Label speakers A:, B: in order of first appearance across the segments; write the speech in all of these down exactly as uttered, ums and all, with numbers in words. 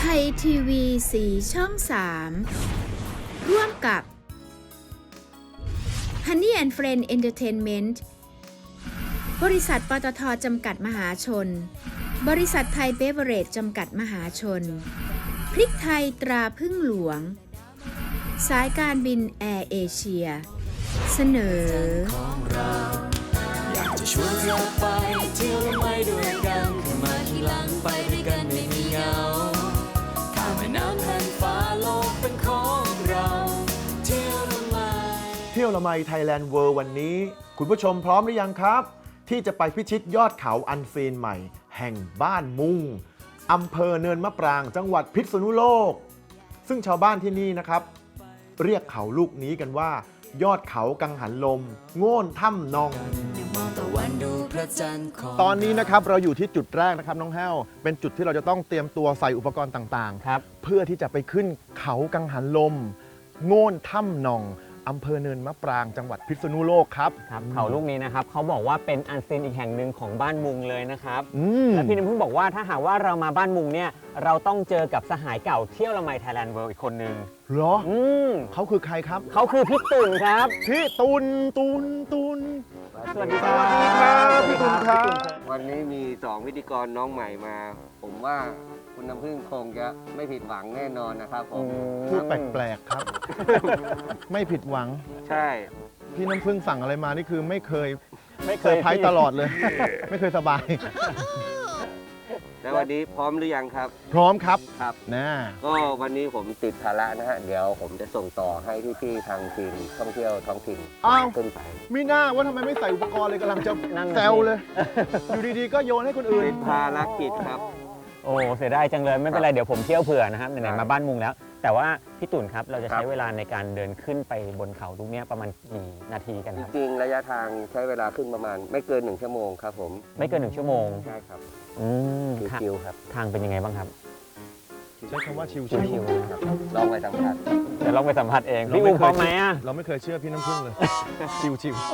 A: ไทยทีวีสีช่องสามร่วมกับ Honey and Friend Entertainment บริษัทปตท.จำกัดมหาชนบริษัทไทยเบเวอเรจจำกัดมหาชนพริกไทยตราพึ่งหลวงสายการบินแอร์เอเชียเสนอ
B: อยากจะชวนเธอไปเที่ยวและไม่ด้วยกันขึ้นมาทีหลังไปด้วยกันไม่มีเหงาข้ามแม่น้ำแผ่านฟ้าโลกเป็นของเราเที่ยวละไม
C: เที่ยวละไมไทยแลนด์เวิลด์วันนี้คุณผู้ชมพร้อมหรือยังครับที่จะไปพิชิตยอดเขาอันซีนใหม่แห่งบ้านมุงอำเภอเนินมะปรางจังหวัดพิษณุโลกซึ่งชาวบ้านที่นี่นะครับเรียกเขาลูกนี้กันว่ายอดเขากังหันลมโง่นถ้ำนองตอนนี้นะครับเราอยู่ที่จุดแรกนะครับน้องแห้วเป็นจุดที่เราจะต้องเตรียมตัวใส่อุปกรณ์ต่างๆครับเพื่อที่จะไปขึ้นเขากังหันลมโง่นถ้ำนองอำเภอเนินมะปรางจังหวัดพิษณุโลกครับ
D: ครับเขาลูกนี้นะครับเขาบอกว่าเป็นอันซีนอีกแห่งหนึ่งของบ้านมุงเลยนะครับและพี่น้ำพึ่งบอกว่าถ้าหากว่าเรามาบ้านมุงเนี่ยเราต้องเจอกับสหายเก่าเที่ยวละไมไทยแลนด์เวิลด์อีกคนนึง
C: เหรออืมเขาคือใครครับ
D: เขาคือพี่ตุ่นครับ
C: พี่ตุนตุนตุน
D: สวัสดีค
C: รับสวัสดีครับพี่ตุนครับ
E: วันนี้มีสองพิธีกรน้องใหม่มา ผมว่าคุณน้ำพึ่งคงจะไม่ผิดหวังแน่นอนนะครับผม
C: พูดแปลกๆครับไม่ผิดหวัง
E: ใช่
C: พี่น้ำพึ่งสั่งอะไรมานี่คือไม่เคยไม่เคยไพ่ตลอดเลยไม่เคยสบาย
E: แล้ววันนี้พร้อมหรือยังครับ
C: พร้อมครับ
E: ครับ
C: นะ
E: ก็วันนี้ผมติดภาระนะฮะเดี๋ยวผมจะส่งต่อให้พี่ๆทางทีมท่องเที่ยวท้องถิ่นขึ้นไป
C: มีหน้าว่าทำไมไม่ใส่อุปกรณ์เลยกำลังจะแซวเลยอยู่ดีๆก็โยนให้คนอื่น
E: ติดภารกิจครับ
D: โอ้เสียดายจังเลยไม่เป็นไรเดี๋ยวผมเที่ยวเผื่อนะครับไหนๆมาบ้านมุงแล้วแต่ว่าพี่ตุ่นครับเราจะใช้เวลาในการเดินขึ้นไปบนเขาลูกนี้ประมาณกี่นาทีกันครับ
E: จริงระยะทางใช้เวลาขึ้นประมาณไม่เกินหนึ่งชั่วโมงครับผม
D: ไม่เกินหนึ่งชั่วโมง
E: ใช่ครับ
D: อืม
E: ชิวๆครับ
D: ทางเป็นยังไงบ้างครับ
C: ใช้คำว่าชิว
D: ๆ
E: ครับลองไปสัมผัส
D: เดี๋ยวลองไปสัมผัสเองพี่อุ้มพร้อมไหมอ่ะ
C: เราไม่เคยเชื่อพี่น้ำพึ่งเลยชิวๆ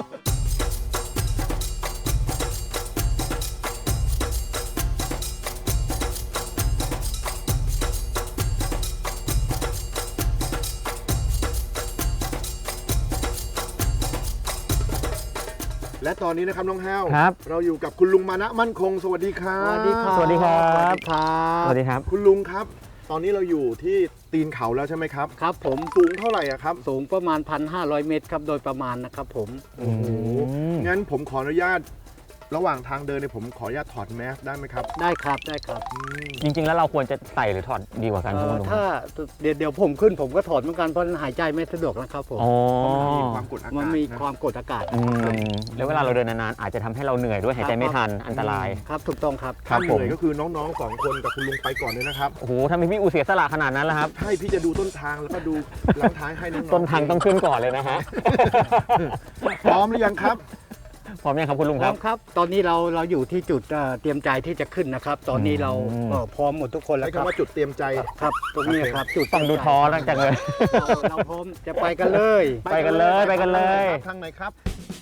C: และตอนนี้นะครับน้องแห้วเราอยู่กับคุณลุงมานะมั่นคงสวัสดีครับ
D: สวัสดีครับสวัสดีครับ
C: สวัสดีครับคุณลุงครับตอนนี้เราอยู่ที่ตีนเขาแล้วใช่ไหมครับ
F: ครับผม
C: สูงเท่าไหร่ครับ
F: สูงประมาณ หนึ่งพันห้าร้อย เมตรครับโดยประมาณนะครับผม
C: โอ้โหงั้นผมขออนุญาตระหว่างทางเดินเนี่ยผมขออนุญาตถอดแมสได้ไหมครับ
F: ได้ครับได้ครับ
D: จริงๆแล้วเราควรจะใส่หรือถอดดีกว่ากัน
F: ถ้าเดี๋ยวเดี๋ยวผมขึ้นผมก็ถอดเหมือนกันเพราะหายใจไม่สะดวกนะครับผม
C: มันมีความกดอากาศ
F: มันมีความกดอากาศ
D: แล้วเวลาเราเดินนานๆอาจจะทำให้เราเหนื่อยด้วยหายใจไม่ทันอันตราย
F: ครับถูกต้องครับ
C: ถ้าเหนื่อยก็คือน้องๆสองคนกับคุณลุงไปก่อนเลยนะครับ
D: โอ้โหทำไมพี่อูเสียสละขนาดนั้นล่ะครับ
C: ใช่พี่จะดูต้นทางแล้วก็ดูหลังท้ายให้น้อง
D: ๆต้นทางต้องขึ้นก่อนเลยนะฮะ
C: พร้อมหรือยังครับ
D: พร้อมยังครับคุณลุงครับ
F: ครับตอนนี้เราเราอยู่ที่จุดเตรียมใจที่จะขึ้นนะครับตอนนี้เราพร้อมหมดทุกคนแล้วครับ
C: ใช้คำว่าจุดเตรียมใจ
F: ครับตรงนี้ครับจุด
D: ต้องดูท้อตั้งแต่เลย
F: เราพร้อมจะไปกันเลย
D: ไปกันเลยไปกันเลย
C: ทางไหนครับ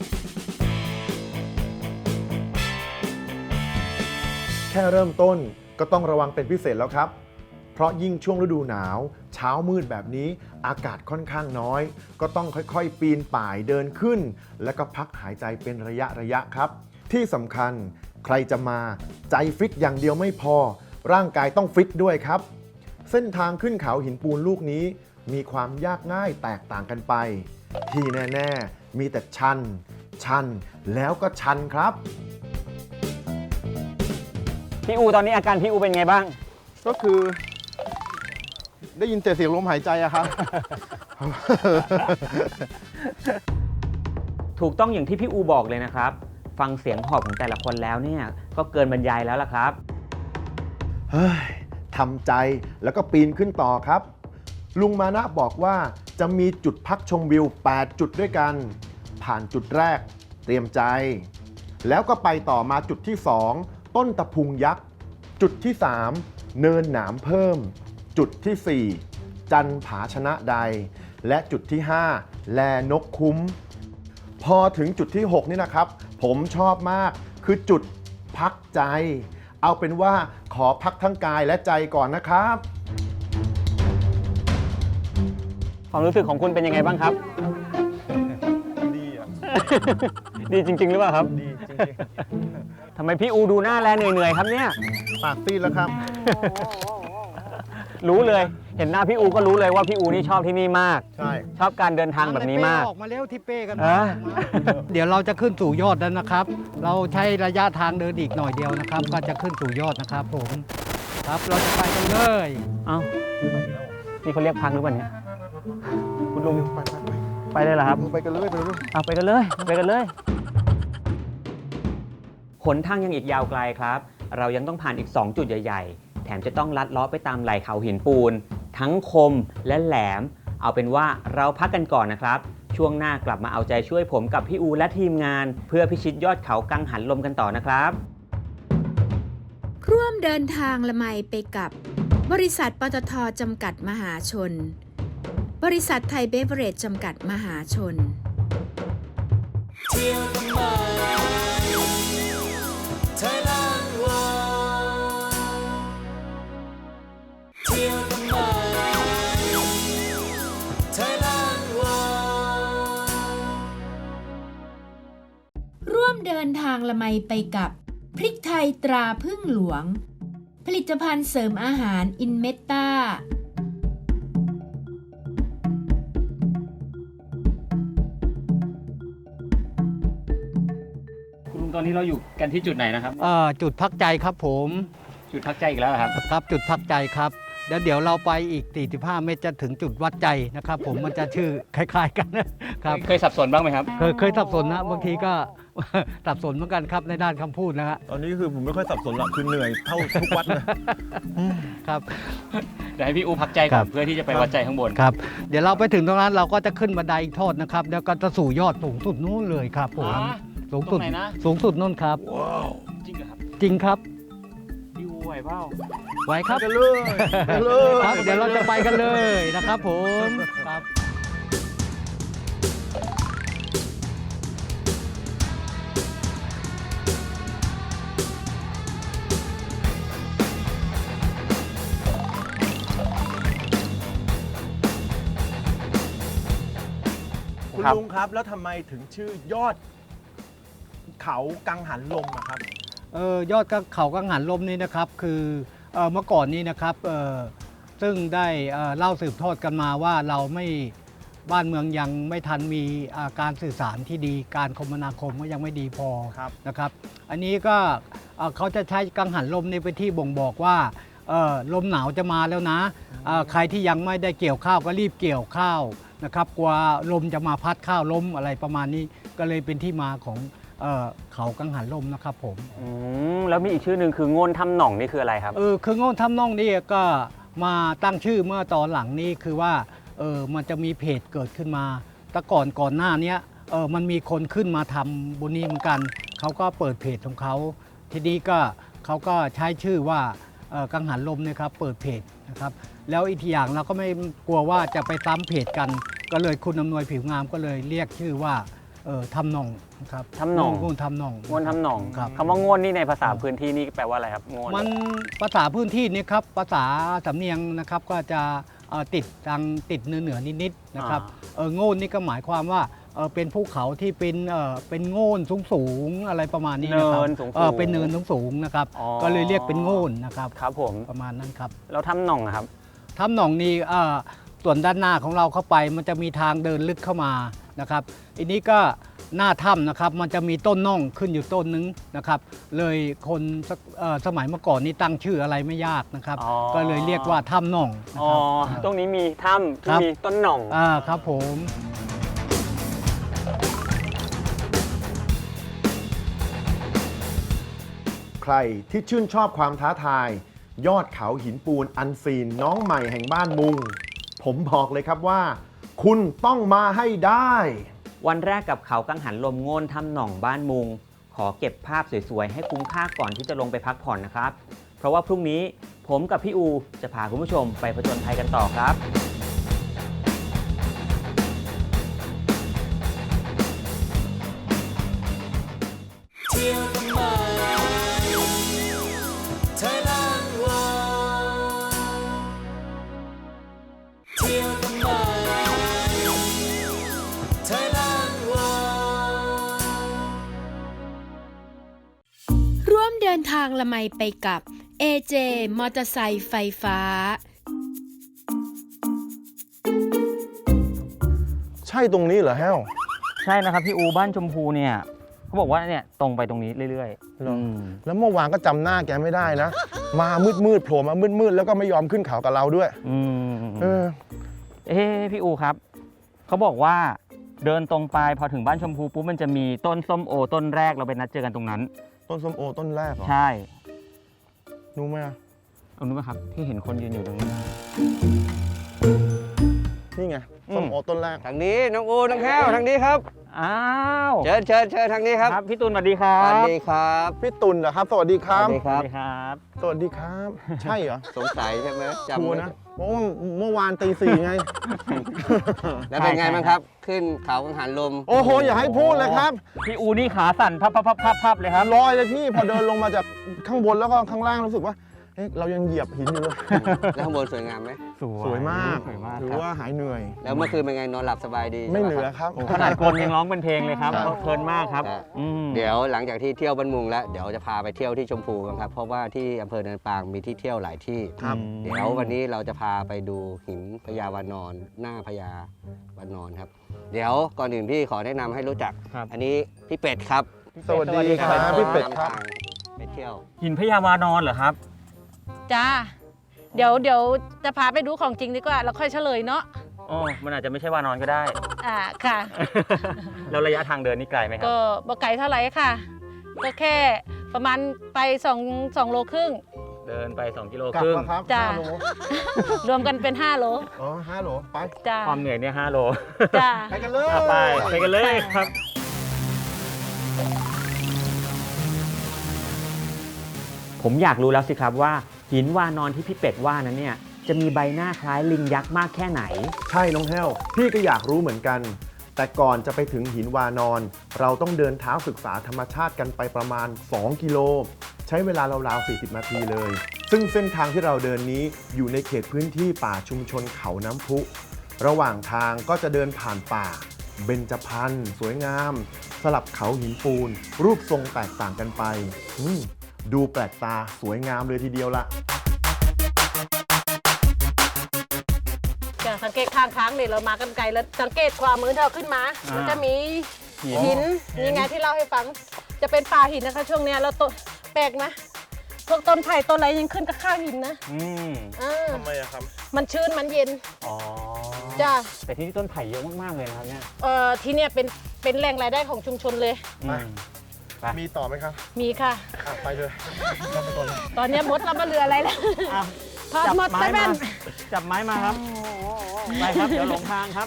C: แค่เริ่มต้นก็ต้องระวังเป็นพิเศษแล้วครับเพราะยิ่งช่วงฤดูหนาวเช้ามืดแบบนี้อากาศค่อนข้างน้อยก็ต้องค่อยๆปีนป่ายเดินขึ้นแล้วก็พักหายใจเป็นระยะระยะครับที่สำคัญใครจะมาใจฟิตอย่างเดียวไม่พอร่างกายต้องฟิตด้วยครับเส้นทางขึ้นเขาหินปูนลูกนี้มีความยากง่ายแตกต่างกันไปที่แน่ๆมีแต่ชันชันแล้วก็ชันครับ
D: พี่อูตอนนี้อาการพี่อูเป็นไงบ้าง
C: ก็คือได้ยินแต่เสียงลมหายใจอะครับ
D: ถูกต้องอย่างที่พี่อูบอกเลยนะครับฟังเสียงหอบของแต่ละคนแล้วเนี่ยก็เกินบรรยายแล้วล่ะครับ
C: เฮ้ยทำใจแล้วก็ปีนขึ้นต่อครับลุงมานะบอกว่าจะมีจุดพักชมวิวแปดจุดด้วยกันผ่านจุดแรกเตรียมใจแล้วก็ไปต่อมาจุดที่สองต้นตะพุงยักษ์จุดที่สามเนินหนามเพิ่มจุดที่สี่จันผาชนะใดและจุดที่ห้าแลนกคุ้มพอถึงจุดที่หกนี่นะครับผมชอบมากคือจุดพักใจเอาเป็นว่าขอพักทั้งกายและใจก่อนนะครับ
D: ความรู้สึกของคุณเป็นยังไงบ้างครับ
C: ดีอ่ะ
D: ดีจริง ๆ หรือเปล่าครับ
C: ดีจริง
D: ทำไมพี่อูดูหน้าแลเหนื่อยๆครับเนี่ย
C: ๆ ปากซีดแล้วครับ
D: รู้เลย เห็นหน้าพี่อูก็รู้เลยว่าพี่อูนี่ชอบที่นี่มาก
C: ใช่
D: ชอบการเดินทางแบบนี้มาก
F: ออกมาเร็วที่เป้กัน
D: เออ
F: เดี๋ยวเราจะขึ้นสู่ยอดแล้วนะครับ เราใช้ระยะทางเดินอีกหน่อยเดียวนะครับ ก็จะขึ้นสู่ยอดนะครับผมครับเราจะไปกันเลย
D: เอ้านี่เขาเรียกพักหรือเปล่าเนี่ยคุณลุง
C: ไปไปไป
D: ไปเลยเหรอครับ
C: ไปกันเลยไปเลย
D: เอาไปกันเลยไปกันเลยหนทางยังอีกยาวไกลครับ เรายังต้องผ่านอีก สอง จุดใหญ่ๆ แถมจะต้องลัดเลาะไปตามไหล่เขาหินปูน ทั้งคมและแหลม เอาเป็นว่าเราพักกันก่อนนะครับ ช่วงหน้ากลับมาเอาใจช่วยผมกับพี่อูและทีมงาน เพื่อพิชิตยอดเขากังหันลมกันต่อนะครับ
A: ร่วมเดินทางละไมไปกับบริษัทปตทจำกัดมหาชน บริษัทไทยเบเวอเรจจำกัดมหาชน
B: เที่ยวทำไม Thailand World เที่ยวทำไม Thailand World
A: ร่วมเดินทางละไมไปกับพริกไทยตราพึ่งหลวง ผลิตภัณฑ์เสริมอาหารอินเมตตา
D: คุณลุงตอนนี้เราอยู่กันที่จุดไหนนะครับ
F: เอ่อจุดพักใจครับผม
D: จุดพักใจอีกแล้วครับ
F: ครับจุดพักใจครับแล้วเดี๋ยวเราไปอีกสี่สิบห้าเมตรจะถึงจุดวัดใจนะครับผมมันจะชื่อคล้ายๆกันนะครับ
D: เคยสับสนบ้างไหมครับ
F: เคยเคยสับสนนะบางทีก็ สับสนเหมือนกันครับในด้านคำพูดนะฮะ
C: ตอนนี้คือผมไม่ค่อยสับสนหรอกคือเหนื่อยเท่าทุกวัดเลย
F: ครับ
D: เดี๋ยวให้พี่อูพักใจ
F: ค
D: ก่
F: รั
D: อน
F: บ
D: เพื่อที่จะไปวัดใจข้างบน
F: ครับเดี๋ยวเราไปถึงตรงนั้นเราก็จะขึ้นบันไดอีกทอดนะครับแล้วก็จะสู่ยอดสูงสุดนู้นเลยครับผม
D: อ๋อ
F: สูงสุด
D: ตรงไหนนะ
F: สูงสุดนู้นครับ
D: จริงเหรอครับ
F: จริงครับ
D: พี่อูไหวเปล่า
F: ไหวครับ
C: กันเลยไปเลย
F: ครับเดี๋ยวเราจะไปกันเลยนะครับผมครับ
C: คุณลุงครับแล้วทำไมถึงชื่อยอดเขากังหันลมอะครับ
F: เออยอดเขากังหันลมนี่นะครับคือเอ่อเมื่อก่อนนี้นะครับเอ่อซึ่งได้เอ่อเล่าสืบทอดกันมาว่าเราไม่บ้านเมืองยังไม่ทันมีอ่าการสื่อสารที่ดีการคมนาคมก็ยังไม่ดีพอ
C: ครับ
F: นะครับ อันนี้ก็เอ่อเขาจะใช้กังหันลมในเป็นที่บ่งบอกว่าเอ่อลมหนาวจะมาแล้วนะเอ่อใครที่ยังไม่ได้เกี่ยวข้าวก็รีบเกี่ยวข้าวนะครับกลัวลมจะมาพัดข้าวล้มอะไรประมาณนี้ก็เลยเป็นที่มาของเอ่อเขากังหันลมนะครับผม
D: อืมแล้วมีอีกชื่อหนึ่งคือโงนทำหน่องนี่คืออะไรครับ
F: เออคือโง่ทำน่องนี่ก็มาตั้งชื่อเมื่อตอนหลังนี้คือว่าเออมันจะมีเพจเกิดขึ้นมาแต่ก่อนก่อนหน้านี้เออมันมีคนขึ้นมาทำบนนี้เหมือนกันเขาก็เปิดเพจของเขาทีนี้ก็เขาก็ใช้ชื่อว่าเอ่อกังหันลมนะครับเปิดเพจนะครับแล้วอีกอย่างเราก็ไม่กลัวว่าจะไปซ้ำเพจกัน ก็เลยคุณอำนวยผิวงามก็เลยเรียกชื่อว่าเออทำหน่องนะครับ
D: ทำหน่อง
F: โง่ทำหน่อง
D: โงนทำหน่อง
F: ครับ
D: คำว่าโงนนี่ในภาษาพื้นที่นี่แปลว่าอะไรครับโงน
F: มันภาษาพื้นที่นี่ครับภาษาสำเนียงนะครับก็จะเอ่อติดทางติดเหนือเหนือๆนิดๆนะครับเออโง่นนี่ก็หมายความว่าเออเป็นภูเขาที่เป็นเออเป็นโง่นสูงสูงๆอะไรประมาณนี้นะครับ
D: เนินสูงๆ
F: เออเป็นเนินสูงสูงๆนะครับ
D: อ๋อ
F: ก็เลยเรียกเป็นโง่นนะครับ
D: ครับผม
F: ประมาณนั้นครับ
D: แล้วทำหน่องอะครับ
F: ถ้ำหนองนี่เอ่อส่วนด้านหน้าของเราเข้าไปมันจะมีทางเดินลึกเข้ามานะครับอันนี้ก็หน้าถ้ำนะครับมันจะมีต้นน่องขึ้นอยู่ต้นนึงนะครับเลยคนสเอ่อสมัยเมื่อก่อนนี้ตั้งชื่ออะไรไม่ยากนะครับ
D: อ๋อ
F: ก็เลยเรียกว่าถ้ำน่องนะ
D: อ๋อ
F: ครับ
D: ตรงนี้มีถ้ำ
F: ครั
D: ที่
F: บ
D: มีต้นหน่อง
F: อ่าครับผม
C: ใครที่ชื่นชอบความท้าทาย ยอดเขาหินปูนอันซีนน้องใหม่แห่งบ้านมุง ผมบอกเลยครับว่า คุณต้องมาให้ได้
D: วันแรกกับเขากังหันลมโงนทำหน่องบ้านมุง ขอเก็บภาพสวยๆ ให้คุ้มค่าก่อนที่จะลงไปพักผ่อนนะครับ เพราะว่าพรุ่งนี้ผมกับพี่อูจะพาคุณผู้ชมไปผจญภัยกันต่อครับ
B: เที่ยวทำไม Thailand World เที่ยวทำไม
A: ละไมไปกับ เอ เจ มอเตอร์ไซค์ไฟฟ้า
C: ใช่ตรงนี้เหรอแฮว
D: ใช่นะครับพี่อูบ้านชมพูเนี่ยเขาบอกว่าเนี่ยตรงไปตรงนี้เรื่อยๆ
C: เหรอ
D: อืม
C: แล้วเมื่อวานก็จำหน้าแกไม่ได้นะ มามืดมืดๆโผล่มามืดมืดๆแล้วก็ไม่ยอมขึ้นเขากับเราด้วย
D: อืม
C: เออ
D: เอ๊ะพี่อูครับเขาบอกว่าเดินตรงไปพอถึงบ้านชมพูปุ๊บมันจะมีต้นส้มโอต้นแรกเราไปนัดเจอกันตรงนั้น
C: ต้นส้มโอต้นแรกเหรอ
D: ใช่
C: รู้ไหมอะ
D: เอานู้นไหมครับที่เห็นคนยืนอยู่ตรงนี้
C: นี่ไง
D: อืม
C: ส้มโอต้นแรก
E: ทางนี้น้องอูน้องแก้วทางนี้ครับ
D: อ้าว
E: เชิญเชิญเชิญทางนี้ครับ
D: ครับพี่ตูนสวัสดีครั
E: ส
D: บ
E: วัสดีครับ
C: พี่ตุลเหรอครับ สวัสดีค
E: ส
C: รับ
E: วัสดี
D: ส
E: ครั
D: วั
E: บ
D: สดีครับ
C: สวัสดีครับ ใช่เหรอ
E: สงสัยใช่ไหมจำ
C: ชัว
E: ไม่
C: ร์
E: ได้
C: นะเพราะว่าเมื่อวานตีสี่ไง
E: แล้วเป็นไง
D: ใช่
E: บ้างครับ ขึ้นเขากังหันลม
C: โอ้โห อย่าให้พูดเลยครับ
D: พี่อูนี่ขาสั่นพับพับพับพับพับเลยครับ
C: ลอยเลยพี่ พอเดินลงมาจากข้างบนแล้วก็ข้างล่างรู้สึกว่าเอ๊ะเรายังเหยียบหินอยู่เลย
E: แล้วข้างบนสวยงามไหม
C: สวยมาก
D: สวยมาก
C: ถือ
D: ครับ
C: ว่าหายเหนื่อย
E: แล้วเมื่อคืนเป็นไงนอนหลับสบายดี
C: ไม่
E: ใช่
C: เห
E: ปะ
C: นือ
E: ครับ
C: ครับ
D: ขนาดกลยังร้องเป็นเพลงเลยครับ
C: ครับ
D: เพลินมากครับ
E: ครับ
D: อืม
E: เดี๋ยวหลังจากที่เที่ยวบ้านมุงแล้วเดี๋ยวจะพาไปเที่ยวที่ชมพูกันครับเพราะว่าที่อำเภอเนินปางมีที่เที่ยวหลายที่
C: ครับ
E: เดี๋ยววันนี้เราจะพาไปดูหินพญาวานอนหน้าพญาวานอนครับ เดี๋ยวก่อนอื่นพี่ขอแนะนำให้รู้จัก
D: ครับ
E: อันนี้พี่เป็ดครับ
C: สวัสดีครับพี่เป็ดครับ
E: ไปเที่ยว
D: หินพญาวานอนเหรอครับ
G: จ้า เดี๋ยวเดี๋ยวจะพาไปดูของจริงดีกว่า แล้วค่อยเฉลยเนาะ
D: อ๋อ มันอาจจะไม่ใช่วานอนก็ได้
G: อ่า ค่ะ
D: แล้วระยะทางเดินนี่ไกลไหมครับ
G: ก็บ่ไกลเท่าไหร่ค่ะ ก็แค่ประมาณไปสองสองโลครึ่ง
D: เดินไปสองกิโล
C: กลั
D: ค
C: บ
D: รึ่ง
C: แล้วครับ
G: จ้ะ
C: ห้าโล
G: รวมกันเป็นห้าโล
C: อ๋อห้าโลไป
G: จ้า
D: ความเหนื่อยเนี่ยห้าโล
G: จ้า
C: ไปกันเลย
D: อ่ะไปไปกันเลยครับ ผมอยากรู้แล้วสิครับว่าหินวานอนที่พี่เป็ดว่านั้นเนี่ยจะมีใบหน้าคล้ายลิงยักษ์มากแค่ไหน
C: ใช่น้องแห้ว พี่ก็อยากรู้เหมือนกัน แต่ก่อนจะไปถึงหินวานอน เราต้องเดินเท้าศึกษาธรรมชาติกันไปประมาณ สอง กิโล ใช้เวลาราวๆ สี่สิบ นาทีเลย ซึ่งเส้นทางที่เราเดินนี้อยู่ในเขตพื้นที่ป่าชุมชนเขาน้ำพุ ระหว่างทางก็จะเดินผ่านป่า เบญจพรรณสวยงาม สลับเขาหินปูน รูปทรงแตกต่างกันไปอืมดูแปลกตาสวยงามเลยทีเดียวละ
G: จะสังเกตข้างค้างเนี่ยเรามากันไกลแล้วสังเกตขวามือเราขึ้นมา
D: อ่ามั
G: มันจะมี
D: หิน
G: หินนี่ไงที่เล่าให้ฟัง จะเป็นป่าหินนะคะ ช่วงเนี้ยแล้วต้นแปลกไหมพวกต้นไผ่ต้นอะไรยังขึ้นกับข้างหินนะ
D: อืม
G: อ่า
C: ทำไมอะครับ
G: มันชื้นมันเย็น
D: อ๋อ
G: จ้า
D: แต่ที่นี่ต้นไผ่เยอะมาก ๆ เลยนะครับเนี่ย
G: เอ่อที่เนี่ยเป็นเป็นแหล่งรายได้ของชุมชนเลย
D: อืม
C: มีต่อไหมครับ
G: มีค่ะ
C: อ่ะไปเลยเราไปก่อนเลย
G: ตอนเนี้ยมดเรามาเหลืออะไรแล้ว
D: อ่ะ
G: ทอดหมด
D: จับ
G: ไป
D: ไม้
G: แม่
D: มาน จับไม้มาครับ ไปครับ เดี๋ยวหลงทางครับ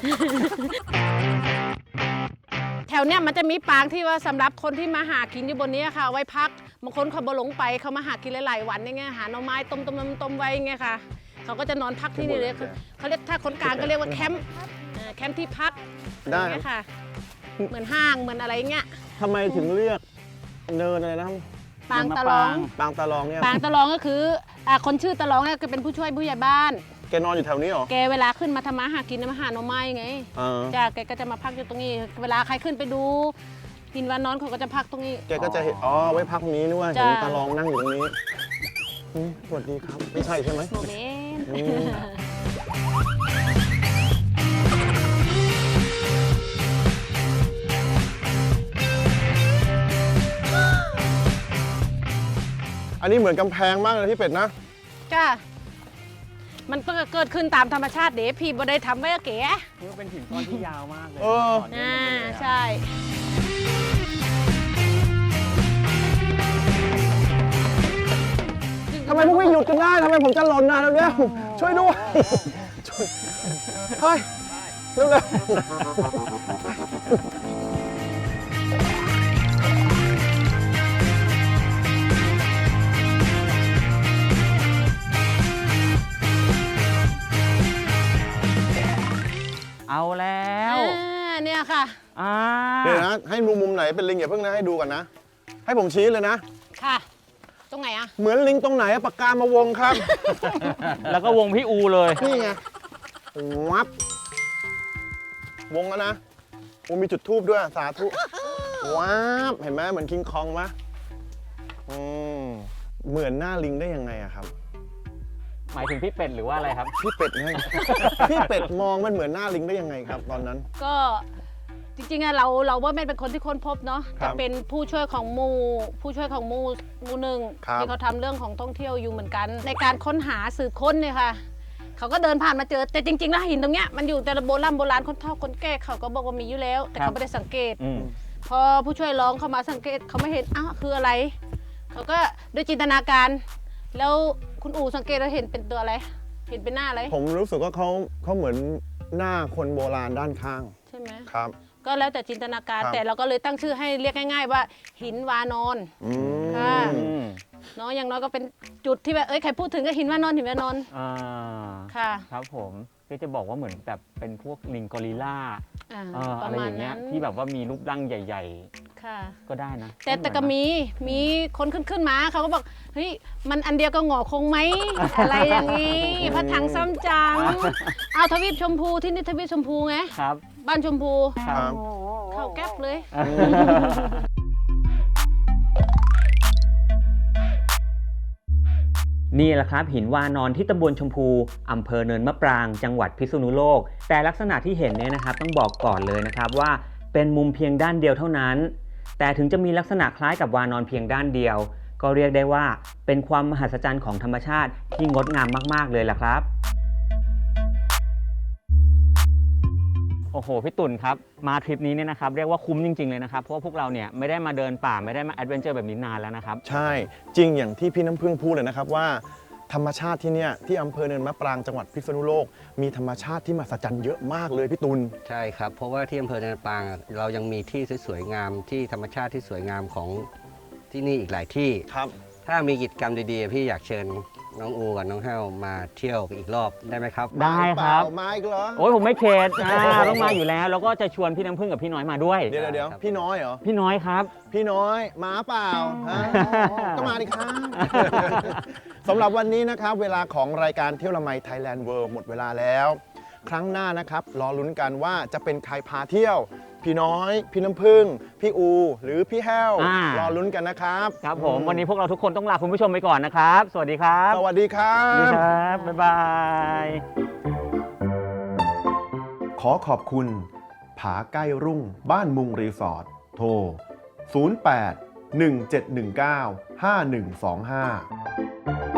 G: แถวเนี้ยมันจะมีปางที่ว่าสำหรับคนที่มาหากินอยู่บนนี้ค่ะเอาไว้พักบางคนเขาบ่หลงไปเขามาหากินหลายๆวันอย่างเงี้ยหาหน่อไม้ต้มต้มต้มต้มไว้อย่างเงี้ยค่ะเขาก็จะนอนพักที่นี่เลยเขาเขาเรียกถ้าคนกลางก็เรียกว่าแคมป์เอ่อแคมป์ที่พัก
C: ได้
G: อย่างเงี้ยค่ะ เหมือนห้างเหมือนอะไรเงี้ย
C: ทำไมถึงเรียกเนินอะไรนะครับ
G: ปางตะลอง
C: ปางตาลองเนี่ย
G: ปางตะลองก็คืออ่าคนชื่อตะลองเนี่ยคือเป็นผู้ช่วยผู้ใหญ่บ้าน
C: แกนอนอยู่แถวนี้เหรอ
G: แกเวลาขึ้นมาทำมาหากินมาหาหน่อไม้ไง
C: เออ
G: จ้าแกก็จะมาพักอยู่ตรงนี้ เวลาใครขึ้นไปดูหินวานอนเขาก็จะพักตรงนี้
C: แกก็จะเห็น อ๋อ ไว้พักตรงนี้นึกว่าเห็น
G: จ้ะ
C: ตาลองนั่งอยู่ตรงนี้อืมสวัสดีครับ ไม่ใช่ใช่ไหม
G: โมเมนต์
C: อืม อันนี้เหมือนกำแพงมากเลยที่เป็ดนะ
G: จ้ามันก็เกิดขึ้นตามธรรมชาติเด๋พี่บ่ได้ทำไว้อะเก๋
D: นี่เป็นหินก้อนที่ยาวมากเลย
C: เออ
D: ต่เนื่
G: อ่า
D: องกันเลยอะ
G: ใช่
C: ทำไมพวกพี่หยุดกันได้ ทำไมผมจะหล่นนะเร็วๆช่วยด้วย ช่วยเฮ้ย เร็วๆ
D: เอาแล้ว
G: อ่าเนี่ยค่ะ
D: อ่า
C: เดี๋ยวนะ ให้มุมมุมไหนเป็นลิงอย่าเพิ่งนะให้ดูก่อนนะ ให้ผมชี้เลยนะ
G: ค่ะ ตรงไหนอะ
C: เหมือนลิงตรงไหนอะปากกามาวงครับ
D: แล้วก็วงพี่อูเลย
C: นี่ไง วับ วงแล้วนะโอ้มีจุดทูบด้วย สาธุ วับ เห็นไหมเหมือนคิงคองไหมอืม
H: เหมือนหน้าลิงได้ยังไงอะครับ
D: หมายถึงพี่เป็ดหรือว่าอะไรครับ
H: พี่เป็ดไง พี่เป็ดมองมันเหมือนหน้าลิงได้ยังไงครับ ตอนนั้น
G: ก็จริงๆอะเราเราว่าแม่เป็นคนที่ค้นพบเนาะ
H: ครั
G: จะ
H: บ
G: เป็นผู้ช่วยของหมูผู้ช่วยของหมูหมูหนึ่ง
H: ครับ
G: ที่เขาทำเรื่องของท่องเที่ยวอยู่เหมือนกัน ในการค้นหาสืบค้นเนี่ยค่ะเขาก็เดินผ่านมาเจอแต่จริงๆแล้วหินตรงเนี้ยมันอยู่แต่โบราณโบราณคนเฒ่าคนแก่เขาก็บอกว่ามีอยู่แล้ว แต่
D: ครับ
G: เขาไม่ได้สังเกต
D: อืม
G: พอผู้ช่วยร้องเข้ามาสังเกตเขาไม่เห็นอ้าวคืออะไรเขาก็ด้วยจินตนาการ แล้วคุณอู๋สังเกตแล้วเห็นเป็นตัวอะไรเห็นเป็นหน้าอะไร
H: ผมรู้สึกว่าเขาเขาเหมือนหน้าคนโบราณด้านข้าง
G: ใช่ไหม
H: ครับ
G: ก็แล้วแต่จินตนาการ
H: ครับ
G: แต่เราก็เลยตั้งชื่อให้เรียกง่าย ๆ ว่าหินวานอน
H: อืม
G: ค่ะ
D: อืม
G: เนาะอย่างน้อยก็เป็นจุดที่แบบเอ้ยใครพูดถึงก็หินวานอนหินวานอน
D: อ่า
G: ค่ะ
D: ครับผมก็จะบอกว่าเหมือนแบบเป็นพวกลิงกอริลลา
G: อ่า
D: เอ่อ
G: ป
D: อะ
G: ระ
D: ไร
G: มา
D: อ
G: ณ
D: ย่างเงี้
G: นั้
D: ย
G: น
D: ที่แบบว่ามีรูปร่างใหญ่
G: ค่ะ
D: ๆ ก็ได้นะ
G: แต่แต่ก็
D: เหอนนะ
G: มีมีคนขึ้นขึ้นมาเขาก็บอกเฮ้ยมันอันเดียวกับหงอคงไหม อะไรอย่างนี้พระถังซ้ำจังเอาทวีปชมพูที่นี่ทวีปชมพูไง
D: ครับ
G: บ้านชมพู
D: ครับ
G: เข้าแก๊ปเลย
D: นี่แหละครับหินวานอนที่ตำบลชมพูอำเภอเนินมะปรางจังหวัดพิษณุโลก แต่ลักษณะที่เห็นเนี่ยนะครับต้องบอกก่อนเลยนะครับว่าเป็นมุมเพียงด้านเดียวเท่านั้น แต่ถึงจะมีลักษณะคล้ายกับวานอนเพียงด้านเดียว ก็เรียกได้ว่าเป็นความมหัศจรรย์ของธรรมชาติที่งดงามมากๆเลยล่ะครับ โอ้โหพี่ตุ่นครับมาทริปนี้เนี่ยนะครับเรียกว่าคุ้มจริงๆเลยนะครับเพราะว่าพวกเราเนี่ยไม่ได้มาเดินป่าไม่ได้มาแอดเวนเจอร์แบบนี้นานแล้วนะครับ
H: ใช่จริงอย่างที่พี่น้ำพึ่งพูดเลยนะครับว่า ธรรมชาติที่เนี่ยที่อำเภอเนินมะปรางจังหวัดพิษณุโลก มีธรรมชาติที่มหัศจรรย์เยอะมากเลยพี่ตุล
E: ใช่ครับ เพราะว่าที่อำเภอเนินปางเรายังมีที่สวยๆงามที่ธรรมชาติที่สวยงามของที่นี่อีกหลายที่
H: ครับ
E: ถ้ามีกิจกรรมดีๆ พี่อยากเชิญน้องอูกับน้องแห้วมาเที่ยวอีกรอบได้ไหมครับ
D: ได้ครับ
H: มาอีกเหรอ
D: โอ้ยผมไม่เข็ดอ่าต้องมาอยู่แล้ว แล้วก็จะชวนพี่น้ำพึ่งกับพี่น้อยมาด้วย
H: เดี๋ยวเดี๋ยว
E: ครับ
H: พี่น้อยเหรอ
D: พี่น้อยครับ
H: พี่น้อยมาเปล่าฮะก็มาดิครับ สำหรับวันนี้นะครับ เวลาของรายการเที่ยวละไม Thailand World หมดเวลาแล้ว ครั้งหน้านะครับรอลุ้นกันว่าจะเป็นใครพาเที่ยว พี่น้อย พี่น้ำพึ่ง พี่อู หรือพี่แห้ว
D: อ่าร
H: อลุ้นกันนะครับ
D: ครับผมวันนี้พวกเราทุกคนต้องลาคุณผู้ชมไปก่อนนะครับ สวัสดีครับ
H: สวัสดีครั
D: สวัสดี
H: บ
D: ครับ บ๊ายบาย
C: ขอขอบคุณ ผาใกล้รุ่งบ้านมุงรีสอร์ทโทร ศูนย์ แปด หนึ่ง เจ็ด หนึ่ง เก้า ห้า หนึ่ง สอง ห้า